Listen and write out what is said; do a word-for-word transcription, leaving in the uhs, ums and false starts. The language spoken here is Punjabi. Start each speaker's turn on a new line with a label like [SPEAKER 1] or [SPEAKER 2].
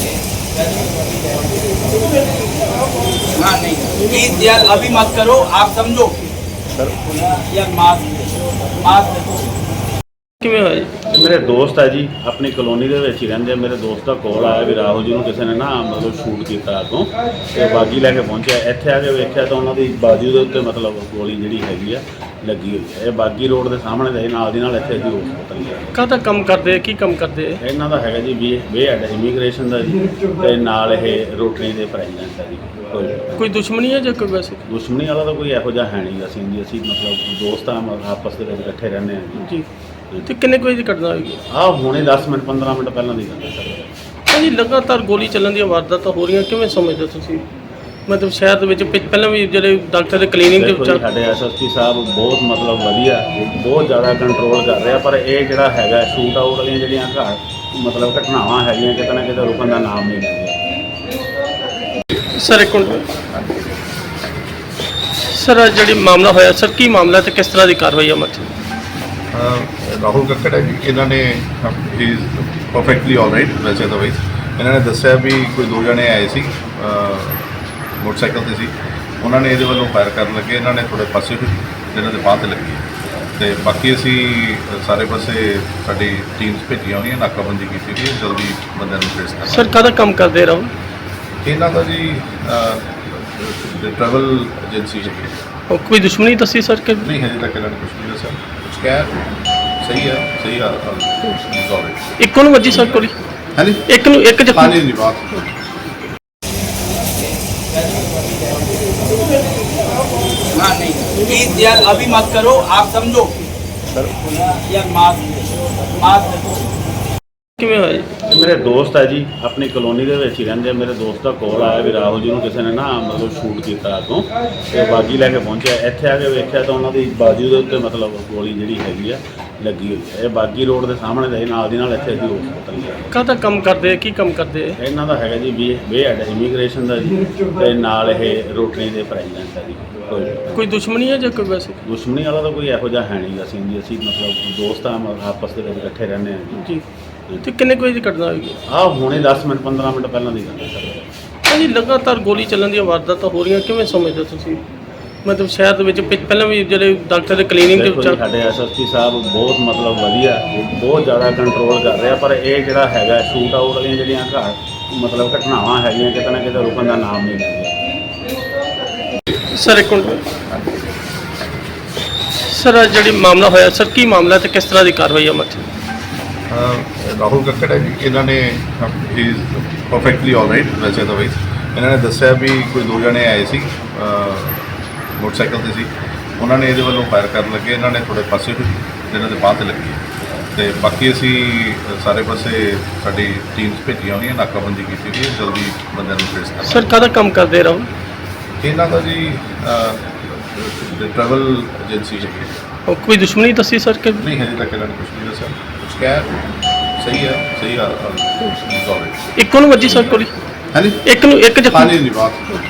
[SPEAKER 1] हाँ नहीं प्लीज यार अभी मत करो, आप समझो
[SPEAKER 2] सर
[SPEAKER 1] यार। मास्क मास्क
[SPEAKER 3] ਕਿਵੇਂ ਹੋਇਆ ਜੀ?
[SPEAKER 2] ਮੇਰੇ ਦੋਸਤ ਹੈ ਜੀ, ਆਪਣੀ ਕਲੋਨੀ ਦੇ ਵਿੱਚ ਹੀ ਰਹਿੰਦੇ। ਮੇਰੇ ਦੋਸਤ ਦਾ ਕੋਲ ਆਇਆ ਵੀ ਰਾਹੁਲ ਜੀ ਨੂੰ ਕਿਸੇ ਨੇ ਨਾ ਮਤਲਬ ਸ਼ੂਟ ਕੀਤਾ ਅੱਗੋਂ, ਤੇ ਬਾਗੀ ਲੈ ਕੇ ਪਹੁੰਚਿਆ। ਇੱਥੇ ਆ ਕੇ ਵੇਖਿਆ ਤਾਂ ਉਹਨਾਂ ਦੀ ਬਾਜੂ ਦੇ ਉੱਤੇ ਮਤਲਬ ਗੋਲੀ ਜਿਹੜੀ ਹੈਗੀ ਆ ਲੱਗੀ ਹੋਈ ਹੈ। ਇਹ ਬਾਗੀ ਰੋਡ ਦੇ ਸਾਹਮਣੇ ਦੇ ਨਾਲ ਦੀ ਨਾਲ ਇੱਥੇ ਅਸੀਂ ਹਸਪਤਾਲ ਗਏ।
[SPEAKER 3] ਕਾਹਦਾ ਕੰਮ ਕਰਦੇ ਆ, ਕੀ ਕੰਮ ਕਰਦੇ ਆ?
[SPEAKER 2] ਇਹਨਾਂ ਦਾ ਹੈਗਾ ਜੀ ਵੀ ਵੇ ਹੈਡ ਇਮੀਗ੍ਰੇਸ਼ਨ ਦਾ ਜੀ, ਤੇ ਨਾਲ ਇਹ ਰੋਟਰੀ ਦੇ ਪ੍ਰੈਜ਼ੀਡੈਂਟ ਹੈ ਜੀ। ਕੋਈ
[SPEAKER 3] ਕੋਈ ਦੁਸ਼ਮਣੀ ਹੈ ਜਾਂ ਕੋਈ ਵੈਸੇ?
[SPEAKER 2] ਦੁਸ਼ਮਣੀ ਵਾਲਾ ਤਾਂ ਕੋਈ ਇਹੋ ਜਿਹਾ ਹੈ ਨਹੀਂ। ਅਸੀਂ ਜੀ ਅਸੀਂ ਮਤਲਬ ਦੋਸਤ ਆ, ਆਪਸ ਦੇ ਵਿੱਚ ਇਕੱਠੇ ਰਹਿੰਦੇ ਹਾਂ ਜੀ।
[SPEAKER 3] ਜੀ ਤੇ ਕਿੰਨੇ ਕੁ ਵਜੇ ਦੀ ਘਟਨਾ ਹੋਈ?
[SPEAKER 2] ਆਹ ਹੁਣੇ ਦਸ ਮਿੰਟ ਪੰਦਰਾਂ ਮਿੰਟ ਪਹਿਲਾਂ ਦੀ ਗੱਲ ਹੈ ਸਰ।
[SPEAKER 3] ਭਾਜੀ ਲਗਾਤਾਰ ਗੋਲੀ ਚੱਲਣ ਦੀਆਂ ਵਾਰਦਾਤਾਂ ਹੋ ਰਹੀਆਂ, ਕਿਵੇਂ ਸਮਝਦੇ ਹੋ ਤੁਸੀਂ? ਮਤਲਬ ਸ਼ਹਿਰ ਦੇ ਵਿੱਚ ਪਿ- ਪਹਿਲਾਂ ਵੀ ਜਿਹੜੇ ਡਾਕਟਰ ਦੇ ਕਲੀਨਿਕ ਦੇ
[SPEAKER 2] ਦੇਖੋ ਜੀ,
[SPEAKER 3] ਵਿੱਚ
[SPEAKER 2] ਸਾਡੇ ਐਸ ਐਸ ਪੀ ਸਾਹਿਬ ਬਹੁਤ ਮਤਲਬ ਵਧੀਆ, ਬਹੁਤ ਜ਼ਿਆਦਾ ਕੰਟਰੋਲ ਕਰ ਰਿਹਾ, ਪਰ ਇਹ ਜਿਹੜਾ ਹੈਗਾ ਸ਼ੂਟ ਆਊਟ ਵਾਲੀਆਂ ਜਿਹੜੀਆਂ ਘਰ ਮਤਲਬ ਘਟਨਾਵਾਂ ਹੈਗੀਆਂ ਕਿਤੇ ਨਾ ਕਿਤੇ ਰੁਕਣ ਦਾ ਨਾਮ ਨਹੀਂ ਲੈਂਦੀਆਂ।
[SPEAKER 3] ਸਰ ਇੱਕ ਮਿੰਟ ਸਰ, ਆਹ ਜਿਹੜੀ ਮਾਮਲਾ ਹੋਇਆ ਸਰ, ਕੀ ਮਾਮਲਾ ਤੇ ਕਿਸ ਤਰ੍ਹਾਂ ਦੀ ਕਾਰਵਾਈ ਅਮਲ 'ਚ?
[SPEAKER 4] ਰਾਹੁਲ ਕੱਕੜ ਹੈ ਜੀ। ਇਹਨਾਂ ਨੇ ਇਜ਼ ਪਰਫੈਕਟਲੀ ਆਲਰਾਈਟ ਵੈਸੇ ਤਾਂ ਬਈ ਇਹਨਾਂ ਨੇ ਦੱਸਿਆ ਵੀ ਕੋਈ ਦੋ ਜਣੇ ਆਏ ਸੀ ਮੋਟਰਸਾਈਕਲ ਤੇ ਸੀ, ਉਹਨਾਂ ਨੇ ਇਹਦੇ ਵੱਲੋਂ ਫਾਇਰ ਕਰਨ ਲੱਗੇ। ਇਹਨਾਂ ਨੇ ਥੋੜੇ ਪਾਸੇ ਹੋਏ, ਇਹਨਾਂ ਦੇ ਬਾਂਹ ਤੇ ਲੱਗੀ, ਤੇ ਬਾਕੀ ਅਸੀਂ ਸਾਰੇ ਪਾਸੇ ਸਾਡੀ ਟੀਮਸ ਭੇਜੀਆਂ ਹੋਈਆਂ, ਨਾਕਾਬੰਦੀ ਕੀਤੀ ਹੋਈ ਹੈ, ਜਲਦੀ ਬੰਦਿਆਂ ਨੂੰ ਟ੍ਰੇਸ ਕਰਨਾ।
[SPEAKER 3] ਸਰ ਕਾਹਦਾ ਕੰਮ ਕਰਦੇ ਰਹੋ?
[SPEAKER 4] ਇਹਨਾਂ ਦਾ ਜੀ ਟਰੈਵਲ ਏਜੰਸੀ ਹੈਗੀ।
[SPEAKER 3] ਉਹ ਕੋਈ ਦੁਸ਼ਮਣੀ ਦੱਸੀ ਸਰ ਕਿ?
[SPEAKER 4] ਨਹੀਂ ਹਜੇ ਤੱਕ ਇਹਨਾਂ ਨੇ ਕੁਛ ਨਹੀਂ ਦੱਸਿਆ। ਕੁਛ ਕਹਿ ਸਹੀ ਹੈ, ਸਹੀ ਆ ਆਲਰਾਈਟ।
[SPEAKER 3] ਇੱਕੋ ਨੂੰ ਵੱਜੀ ਸਰ ਗੋਲੀ?
[SPEAKER 4] ਹਾਂਜੀ
[SPEAKER 3] ਇੱਕ ਨੂੰ ਇੱਕ ਜ਼ਖਮੀ?
[SPEAKER 4] ਹਾਂਜੀ ਨਹੀਂ ਬਾਤ
[SPEAKER 1] हाँ नहीं प्लीज यार अभी मत करो, आप समझो
[SPEAKER 2] सर
[SPEAKER 1] यार। मास्क मास्क
[SPEAKER 3] ਕਿਵੇਂ ਹੋਇਆ ਜੀ?
[SPEAKER 2] ਮੇਰੇ ਦੋਸਤ ਹੈ ਜੀ, ਆਪਣੀ ਕਲੋਨੀ ਦੇ ਵਿੱਚ ਹੀ ਰਹਿੰਦੇ। ਮੇਰੇ ਦੋਸਤ ਦਾ ਕੋਲ ਆਇਆ ਵੀ ਰਾਹੁਲ ਜੀ ਨੂੰ ਕਿਸੇ ਨੇ ਨਾ ਮਤਲਬ ਸ਼ੂਟ ਕੀਤਾ ਅੱਗੋਂ, ਤੇ ਬਾਗੀ ਲੈ ਕੇ ਪਹੁੰਚਿਆ। ਇੱਥੇ ਆ ਕੇ ਵੇਖਿਆ ਤਾਂ ਉਹਨਾਂ ਦੀ ਬਾਜੂ ਦੇ ਉੱਤੇ ਮਤਲਬ ਗੋਲੀ ਜਿਹੜੀ ਹੈਗੀ ਆ ਲੱਗੀ ਹੋਈ ਹੈ। ਇਹ ਬਾਗੀ ਰੋਡ ਦੇ ਸਾਹਮਣੇ ਦੇ ਨਾਲ ਦੀ ਨਾਲ ਇੱਥੇ ਅਸੀਂ ਹਸਪਤਾਲ ਗਏ।
[SPEAKER 3] ਕਾਹਦਾ ਕੰਮ ਕਰਦੇ ਆ, ਕੀ ਕੰਮ ਕਰਦੇ ਆ?
[SPEAKER 2] ਇਹਨਾਂ ਦਾ ਹੈਗਾ ਜੀ ਵੀ ਵੇ ਹੈਡ ਇਮੀਗ੍ਰੇਸ਼ਨ ਦਾ ਜੀ, ਤੇ ਨਾਲ ਇਹ ਰੋਟਰੀ ਦੇ ਪ੍ਰੈਜ਼ੀਡੈਂਟ ਹੈ ਜੀ। ਕੋਈ
[SPEAKER 3] ਕੋਈ ਦੁਸ਼ਮਣੀ ਹੈ ਜਾਂ ਕੋਈ ਵੈਸੇ?
[SPEAKER 2] ਦੁਸ਼ਮਣੀ ਵਾਲਾ ਤਾਂ ਕੋਈ ਇਹੋ ਜਿਹਾ ਹੈ ਨਹੀਂ। ਅਸੀਂ ਜੀ ਅਸੀਂ ਮਤਲਬ ਦੋਸਤ ਆ, ਆਪਸ ਦੇ ਵਿੱਚ ਇਕੱਠੇ ਰਹਿੰਦੇ ਹਾਂ ਜੀ।
[SPEAKER 3] ਜੀ ਤੇ ਕਿੰਨੇ ਕੁ ਵਜੇ ਦੀ ਘਟਨਾ ਹੋਈ?
[SPEAKER 2] ਆਹ ਹੁਣੇ ਦਸ ਮਿੰਟ ਪੰਦਰਾਂ ਮਿੰਟ ਪਹਿਲਾਂ ਦੀ ਗੱਲ ਹੈ ਸਰ।
[SPEAKER 3] ਭਾਜੀ ਲਗਾਤਾਰ ਗੋਲੀ ਚੱਲਣ ਦੀਆਂ ਵਾਰਦਾਤਾਂ ਹੋ ਰਹੀਆਂ, ਕਿਵੇਂ ਸਮਝਦੇ ਹੋ ਤੁਸੀਂ? ਮਤਲਬ ਸ਼ਹਿਰ ਦੇ ਵਿੱਚ ਪਿ- ਪਹਿਲਾਂ ਵੀ ਜਿਹੜੇ ਡਾਕਟਰ ਦੇ ਕਲੀਨਿਕ ਦੇ
[SPEAKER 2] ਦੇਖੋ ਜੀ,
[SPEAKER 3] ਵਿੱਚ
[SPEAKER 2] ਸਾਡੇ ਐਸ ਐਸ ਪੀ ਸਾਹਿਬ ਬਹੁਤ ਮਤਲਬ ਵਧੀਆ, ਬਹੁਤ ਜ਼ਿਆਦਾ ਕੰਟਰੋਲ ਕਰ ਰਿਹਾ, ਪਰ ਇਹ ਜਿਹੜਾ ਹੈਗਾ ਸ਼ੂਟ ਆਊਟ ਵਾਲੀਆਂ ਜਿਹੜੀਆਂ ਘਰ ਮਤਲਬ ਘਟਨਾਵਾਂ ਹੈਗੀਆਂ ਕਿਤੇ ਨਾ ਕਿਤੇ ਰੁਕਣ ਦਾ ਨਾਮ ਨਹੀਂ ਲੈਂਦੀਆਂ।
[SPEAKER 3] ਸਰ ਇੱਕ ਮਿੰਟ ਸਰ, ਆਹ ਜਿਹੜੀ ਮਾਮਲਾ ਹੋਇਆ ਸਰ, ਕੀ ਮਾਮਲਾ ਤੇ ਕਿਸ ਤਰ੍ਹਾਂ ਦੀ ਕਾਰਵਾਈ ਅਮਲ 'ਚ?
[SPEAKER 4] ਰਾਹੁਲ ਕੱਕੜ ਹੈ ਜੀ। ਇਹਨਾਂ ਨੇ ਇਜ਼ ਪਰਫੈਕਟਲੀ ਆਲਰਾਈਟ ਵੈਸੇ ਤਾਂ ਬਈ ਇਹਨਾਂ ਨੇ ਦੱਸਿਆ ਵੀ ਕੋਈ ਦੋ ਜਣੇ ਆਏ ਸੀ ਮੋਟਰਸਾਈਕਲ ਤੇ ਸੀ, ਉਹਨਾਂ ਨੇ ਇਹਦੇ ਵੱਲੋਂ ਫਾਇਰ ਕਰਨ ਲੱਗੇ। ਇਹਨਾਂ ਨੇ ਥੋੜੇ ਪਾਸੇ ਹੋਏ, ਇਹਨਾਂ ਦੇ ਬਾਂਹ ਤੇ ਲੱਗੀ, ਤੇ ਬਾਕੀ ਅਸੀਂ ਸਾਰੇ ਪਾਸੇ ਸਾਡੀ ਟੀਮਸ ਭੇਜੀਆਂ ਹੋਈਆਂ, ਨਾਕਾਬੰਦੀ ਕੀਤੀ ਹੋਈ ਹੈ, ਜਲਦੀ ਬੰਦਿਆਂ ਨੂੰ ਟ੍ਰੇਸ ਕਰਨਾ।
[SPEAKER 3] ਸਰ ਕਾਹਦਾ ਕੰਮ ਕਰਦੇ ਰਹੋ?
[SPEAKER 4] ਇਹਨਾਂ ਦਾ ਜੀ ਟਰੈਵਲ ਏਜੰਸੀ ਹੈਗੀ।
[SPEAKER 3] ਉਹ ਕੋਈ ਦੁਸ਼ਮਣੀ ਦੱਸੀ ਸਰ ਕਿ?
[SPEAKER 4] ਨਹੀਂ ਹਜੇ ਤੱਕ ਇਹਨਾਂ ਨੇ ਕੁਛ ਨਹੀਂ ਦੱਸਿਆ। ਕੁਛ ਕਹਿ ਸਹੀ ਹੈ, ਸਹੀ ਆ ਆਲਰਾਈਟ।
[SPEAKER 3] ਇੱਕੋ ਨੂੰ ਵੱਜੀ ਸਰ ਗੋਲੀ?
[SPEAKER 4] ਹਾਂਜੀ
[SPEAKER 3] ਇੱਕ ਨੂੰ ਇੱਕ ਜ਼ਖਮੀ?
[SPEAKER 4] ਹਾਂਜੀ ਨਹੀਂ ਬਾਤ